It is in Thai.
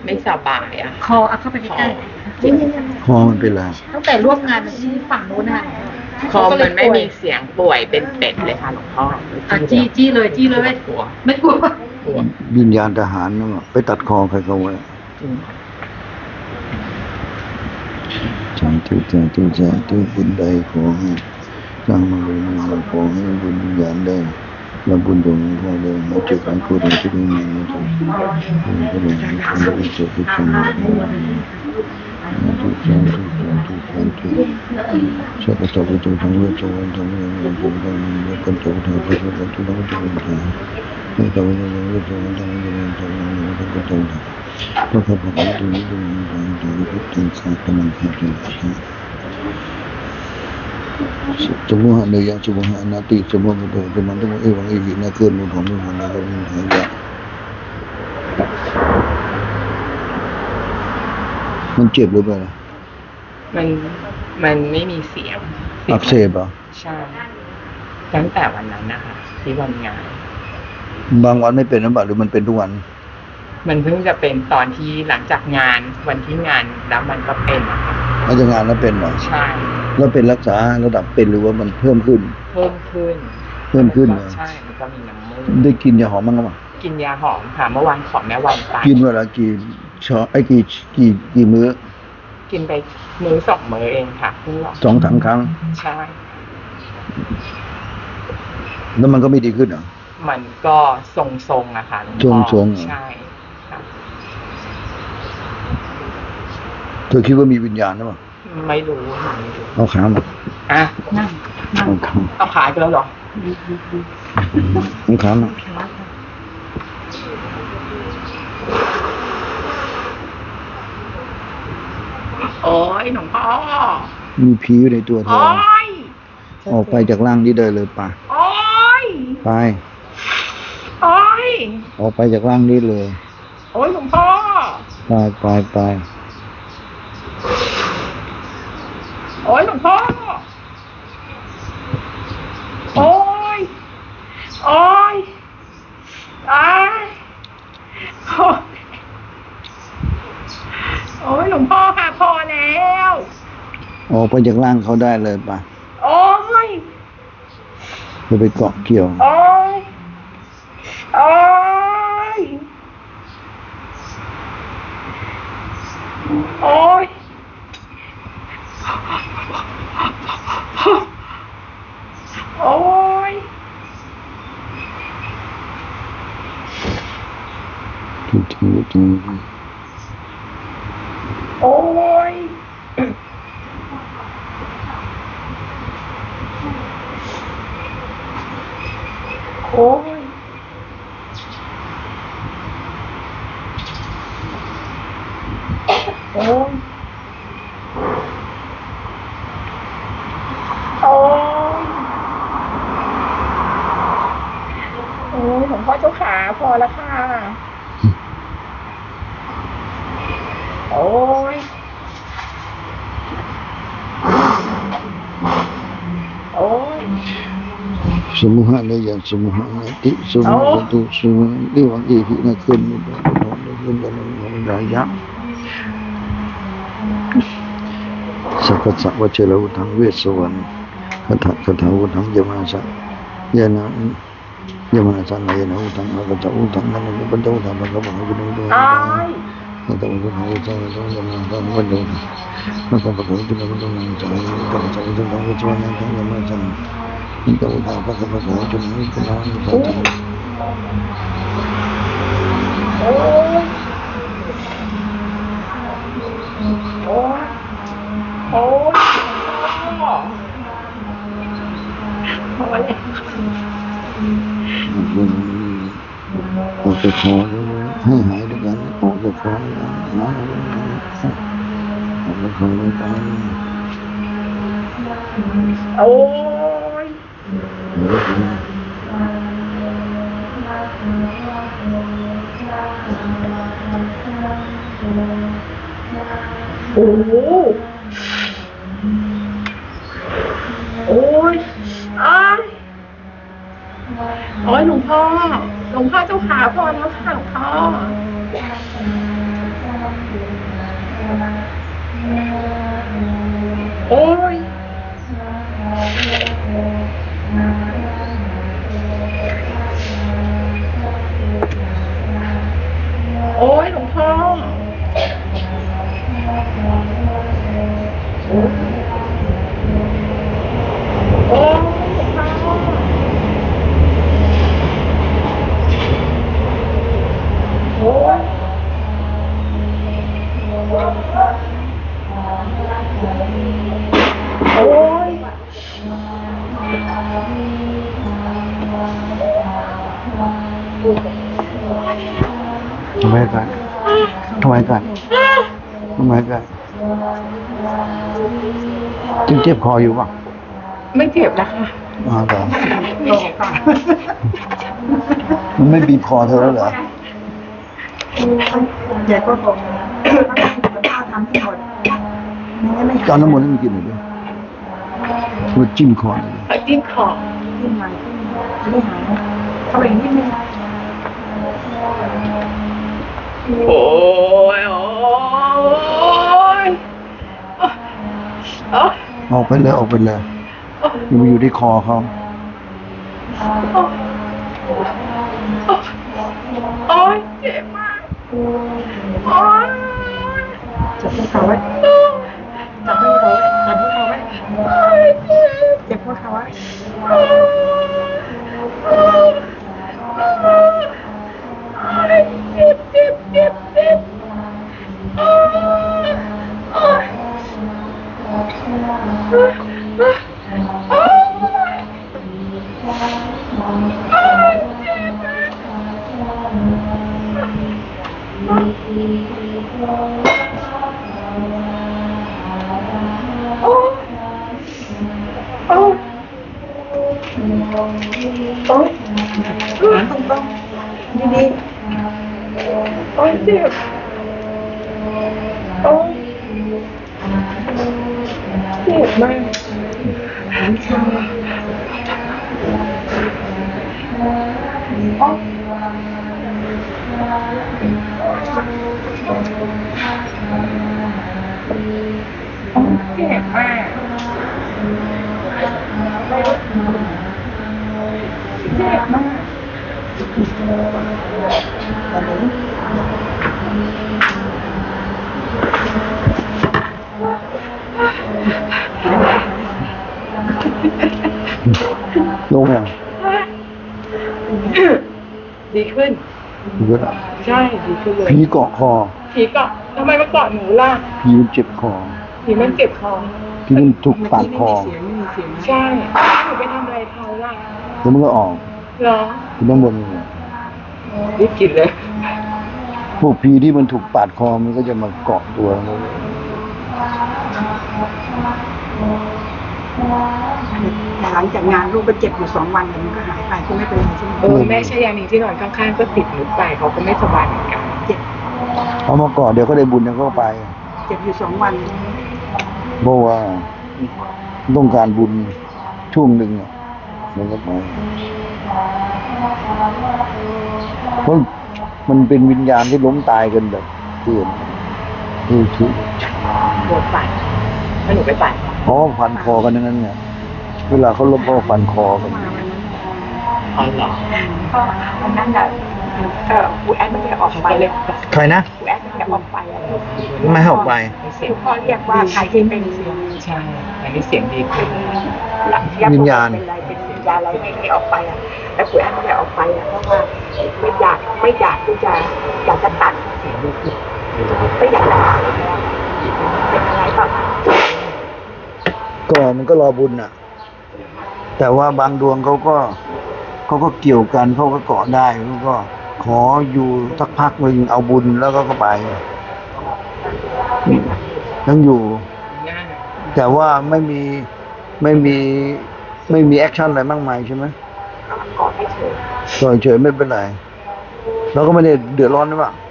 ไม่สบายอะคอเข้าไปใกล้คอมันเป็นไรๆตั้งแต่ร่วมงานที่ฝั่งนู้นน่ะคอมันไม่มีเสียงป่วยเป็นเป็ดเลยค่ะหลวงพ่อจี้เลยกลัวไม่กลัววิญญาณทหารนะไปตัดคอใครเขาไว้สาธุบุญใดขอให้สร้างมาเลยนะขอให้บุญวิญญาณได้รับบุญตรงนี้พ่อเลยมาเจอกันพูดถึงที่นี่นะจ๊ะก็เลยให้คนได้เจอทุกคนทุกสัพพะสัพพุทโธทั้งเวทวันทั้งเวทวันทั้งเวทวันกันโตทั้งพระพุทธทุกทั้งทุกทั้งไม่ต้องเวทวันทั้งเวทวันทั้งเวทวันทั้งกันโตทั้งพระพุทธทุกทั้งทุกทั้งทุกทั้งข้าพเจ้าข้าสมุหะเนยสมุหะนาติสมุหะโตสมุหะเอวังอิหินาเกินมุขของมุขนะก็มุขหายะมันเจ็บหรือเปล่ามันไม่มีเสียงอักเสบอ่ะใช่ตั้งแต่วันนั้นนะคะที่วันงานบางวันไม่เป็นหรือเปล่าหรือมันเป็นทุกวันมันเพิ่งจะเป็นตอนที่หลังจากงานวันที่งานแล้วมันก็เป็นนะคะหลังจากงานแล้วเป็นเหรอใช่แล้วเป็นรักษาระดับเป็นหรือว่ามันเพิ่มขึ้นใช่มันก็มีน้ำมูกได้กินยาหอมบ้างหรือเปล่ากินยาหอมค่ะเมื่อวานขอแม่วันไปกินเวลากี่มื้อกินไปมื้อ2 มื้อเองค่ะ 2-3 ครั้งใช่แล้วมันก็ไม่ดีขึ้นเหรอมันก็ทรงๆอะค่ะทรงใช่ค่ะเธอคิดว่ามีวิญญาณหรือเปล่าไม่รู้เอาขามานั่งเอาขาไปแล้วเหรอเอาขามาโอ้ยหลวงพ่อมีผีอยู่ในตัวเธอออกไปจากร่างนี้ได้เลยป่ะไปออกไปจากร่างนี้เลยโอ้ยหลวงพ่อไปโอ้ยหลวงพ่อโอ้ยโอ้ยหลวงพ่อค่ะพอแล้วออกไปจากร่างเขาได้เลยป่ะโอ้ยจะไปเกาะเกี่ยวโอ้ยโอ้ยจริงโอ้ยโอ้ยโอ้ยหลวงพ่อเจ้าขาพอแล้วค่ะโอ้ยสมุหะเนยสมุหะนาติสมุหะตุสมุหะเอวังอิหินาเกินมุขของมุขนะยะสัพพะวัชเชลวุธังเวสสวรรณคาถาวุธังยมาสะยานะยมาสะนายนะวุธังคาถาวุธังนันปัญจวุธังพระบังกุณุโตคาถาวุธังวุธังยมาสะวัดโดพระบังกุณุโตพระบังกุณุโตคาถาวุธังวุธังยมาสะนี่ก็อุทานพระพุทธเจ้าจนนี้ก็น้อมพระธรรมออกจากคอให้หายด้วยกันออกจากคอนะออกจากคอเลยไปโอ้ยโอ้โอ้ยโอ้ยหลวงพ่อเจ้าขาพอแล้วค่ะหลวงพ่อโอ้ยโอ้ยหลวงพ่อโอ้ยหลวงพ่อโอ้ยโอ้ยทำไมกันทำไมกันทำไมกันจึงเจ็บคออยู่ป่ะไม่เจ็บแล้วค่ะเหรอโตค่ะมันไม่บีบคอเธอแล้วเหรอเดี๋ยวก็คงข้าวทำให้หมดไม่งั้นไม่ตอนน้ำมนต์ให้มันกินหน่อยดิมันจิ้มคอหน่อยดิเอาจิ้มคอขึ้นมาไม่หายเข้าไปนิดนึงโอ้ยโอ้ยโอ้ยออกไปเลยออกไปเลยอย่ามาอยู่ที่คอเขาโอ้ยเจ็บมากโอ้ยจับพวกเขาไว้จับพวกเขาไว้จับพวกเขาไว้โอ้ยเจ็บเจ็บพวกเขาไว้โอ้ยเจ็บเจ็บเจ็บเจ็บโอ้ยโอ้ยโอ้ย โอ้โอ้โอ้ต้องดีโอ้ยเจ็บโอ้ยเจ็บมากโอ้เจ็บมากเจ็บมากลงยังดีขึ้นเยอะใช่ ดีขึ้นเลยผีเกาะคอผีเกาะทำไมมาเกาะหนูล่ะผีมันเจ็บคอผีมันเจ็บคอผีมันถูกปาดคอใช่หนูไปทำอะไรเขาล่ะแล้วมันก็ออกเหรอที่น้ำบนนี่รีบกินเลยพวกผีที่มันถูกปาดคอมันก็จะมาเกาะตัวเราแต่หลังจากงานลูกก็เจ็บอยู่2 วันมันก็หายไปก็ไม่เป็นไรใช่ไหมแม่ชายานีที่นอนข้างๆก็ติดหนูไปเขาก็ไม่สบายเหมือนกันเจ็บเอามาเกาะเดี๋ยวก็ได้บุญเดี๋ยวก็ไปเจ็บอยู่2 วันเพราะว่าต้องการบุญช่วงหนึ่งอะมันก็ไปเพราะมันเป็นวิญญาณที่ล้มตายกันแบบเกลื่อนคือปวดปั่นแล้วหนูไปปั่นเพราะว่าฟันคอกันทั้งนั้นไงเวลาเขาล้มเขาก็ฟันคอกันมาวันนั้นอ๋อเหรอก็วันนั้นน่ะครูแอดไม่ได้ออกเขาไปก็เลยใครนะครูแอดไม่ได้ออกไปอะไม่ให้ออกไปมีเสียงพ่อเรียกว่าใครที่เป็นเสียงใช่อันนี้เสียงดีขึ้นวิญญาณเป็นอะไรเป็นวิญญาณอะไรไม่ออกไปอ่ะแต่ครูแอดไม่ได้ออกไปอ่ะเพราะว่าไม่อยากที่จะอยากจะตัดเสียงดีขึ้นไม่อยากจะตัดเป็นอะไรแบบก็มันก็รอบุญน่ะ แต่ว่าบางดวงเขาก็เกี่ยวกันเขาก็เกาะได้เขาก็ขออยู่สักพักหนึ่งเอาบุญแล้วก็ไปยังอยู่ง่ายแต่ว่าไม่มีแอคชั่นอะไรมากมายใช่ไหมกอดให้เฉยเฉยๆไม่เป็นไรเราก็ไม่ได้เดือดร้อนนะป่ะไ